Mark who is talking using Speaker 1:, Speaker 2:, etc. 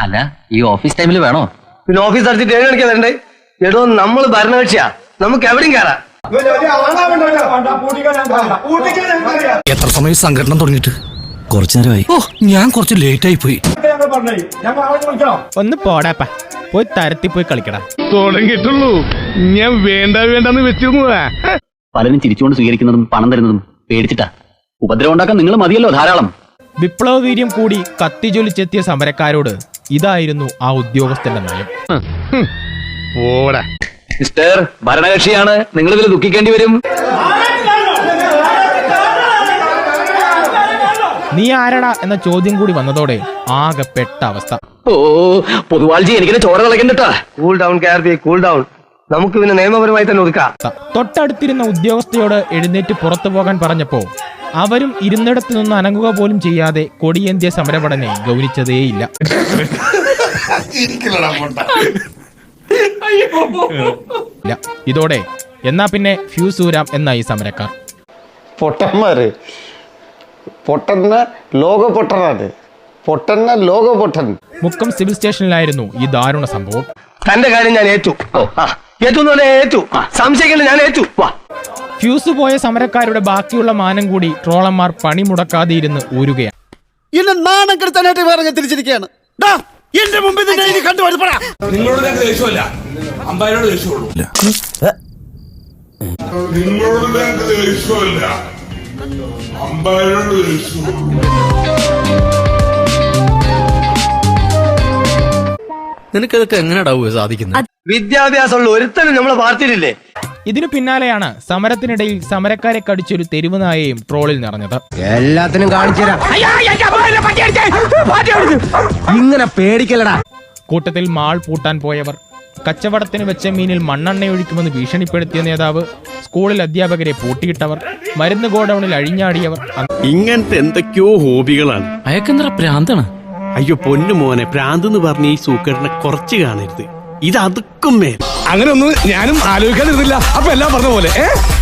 Speaker 1: അല്ല ഈ ഓഫീസ് ടൈമിൽ വേണോ?
Speaker 2: പിന്നെ ഓഫീസ് അടിച്ചിട്ട് 7 മണിക്കാ വരണ്ടേ? എടോ നമ്മൾ ഭരണകക്ഷിയാ, നമുക്ക് എവിടെയും കയറാം.
Speaker 3: എത്ര സമയം സംഘടന തുടങ്ങിയിട്ട്? കുറച്ചു നേരമായി. ഓ, ഞാൻ കുറച്ച് ലേറ്റ് ആയി പോയി.
Speaker 4: ഒന്ന് പോടാപ്പ, പോയി തരത്തി പോയി കളിക്കടാ.
Speaker 5: തുടങ്ങിയിട്ടുള്ളൂ, ഞാൻ വേണ്ടെന്ന് വെച്ചിരുന്നതാ.
Speaker 1: പലരും ചിരിച്ചുകൊണ്ട് സ്വീകരിക്കുന്നതും പണം തരുന്നതും പേടിച്ചിട്ടാ. ഉപദ്രവം ഉണ്ടാക്കാൻ നിങ്ങൾ മതിയല്ലോ ധാരാളം.
Speaker 4: വിപ്ലവ വീര്യം കൂടി കത്തിജ്വലിച്ചെത്തിയ സമരക്കാരോട് ഇതായിരുന്നു ആ ഉദ്യോഗസ്ഥന്റെ നയം.
Speaker 1: മിസ്റ്റർ, ഭരണകക്ഷിയാണ്, നിങ്ങൾ ഇതിൽ ദുഃഖിക്കേണ്ടി വരും.
Speaker 4: നീ ആരടാ എന്ന ചോദ്യം കൂടി വന്നതോടെ ആകെ പെട്ട അവസ്ഥ.
Speaker 1: ഓ പൊതുവാൾജി, എനിക്കിനെ ചോര കളക്കണ്ടട്ടാ.
Speaker 2: Cool down KRP, cool down. നമുക്ക് പിന്നെ നിയമപരമായി തന്നെ ഒതുക്കാം.
Speaker 4: തൊട്ടടുത്തിരുന്ന ഉദ്യോഗസ്ഥയോട് എഴുന്നേറ്റ് പുറത്തു പോകാൻ പറഞ്ഞപ്പോ അവരും ഇരുന്നിടത്തു നിന്ന് അനങ്ങുക പോലും ചെയ്യാതെ കൊടിയേന്ത്യ സമരപടനെ ഗൗനിച്ചതേയില്ല. ഇതോടെ എന്നാ പിന്നെ ഫ്യൂസ് ഊരാം എന്നായി സമരക്കാർ.
Speaker 6: പൊട്ടന്മാര് പൊട്ടന്ന ലോക പൊട്ടനാണ്, പൊട്ടന്ന ലോക പൊട്ടൻ.
Speaker 4: മുക്കം സിവിൽ സ്റ്റേഷനിലായിരുന്നു ഈ ദാരുണ സംഭവം.
Speaker 2: തന്റെ കാര്യം ഞാൻ ഏറ്റു. ഏറ്റു സംശയിക്കേണ്ട, ഞാൻ ഏറ്റു.
Speaker 4: ഫ്യൂസ് പോയ സമരക്കാരുടെ ബാക്കിയുള്ള മാനം കൂടി ട്രോളന്മാർ പണിമുടക്കാതെ ഇരുന്ന് ഊരുകയാണ്.
Speaker 3: എന്നെ നാണം കെടുത്താനായിട്ട് വേറെ തിരിച്ചിരിക്കുകയാണ്. എന്റെ മുമ്പിൽ
Speaker 7: നിങ്ങളോട് ഞങ്ങൾക്ക് ദേഷ്യമല്ല, അമ്പായനോട് ദേഷ്യമുള്ളൂ. നിങ്ങളോട് ഞങ്ങൾക്ക് ദേഷ്യമല്ല, അമ്പായനോട് ദേഷ്യമുള്ളൂ.
Speaker 3: നിനക്കതൊക്കെ എങ്ങനെയാ സാധിക്കുന്നത്?
Speaker 2: വിദ്യാഭ്യാസമുള്ള ഒരുത്തനും നമ്മളെ പാർട്ടിയിലില്ലേ?
Speaker 4: ഇതിനു പിന്നാലെയാണ് സമരത്തിനിടയിൽ സമരക്കാരെ കടിച്ചൊരു തെരുവ് നായയും ട്രോളിൽ നിറഞ്ഞത്.
Speaker 2: എല്ലാത്തിനും കാണിച്ചുതരാം. ഇങ്ങനെ പേടിക്കലടാ.
Speaker 4: കൂട്ടത്തിൽ മാൾ പൂട്ടാൻ പോയവർ, കച്ചവടത്തിന് വെച്ച മീനിൽ മണ്ണെണ്ണയൊഴിക്കുമെന്ന് ഭീഷണിപ്പെടുത്തിയ നേതാവ്, സ്കൂളിൽ അധ്യാപകരെ പൂട്ടിയിട്ടവർ, മരുന്ന് ഗോഡൌണിൽ അഴിഞ്ഞാടിയവർ.
Speaker 8: ഇങ്ങനത്തെ എന്തൊക്കെയോ ഹോബികളാണ്.
Speaker 3: അയക്കെന്തറ പ്രാന്താണ്.
Speaker 8: അയ്യോ പൊന്നു മോനെ, പ്രാന്ത് എന്ന് പറഞ്ഞ ഈ സൂക്കറിനെ കുറച്ച് കാണരുത്. ഇത് അതുക്കും മേൽ.
Speaker 5: അങ്ങനെ ഒന്നും ഞാനും ആലോചിക്കാതിരുന്നില്ല. അപ്പൊ എല്ലാം പറഞ്ഞ പോലെ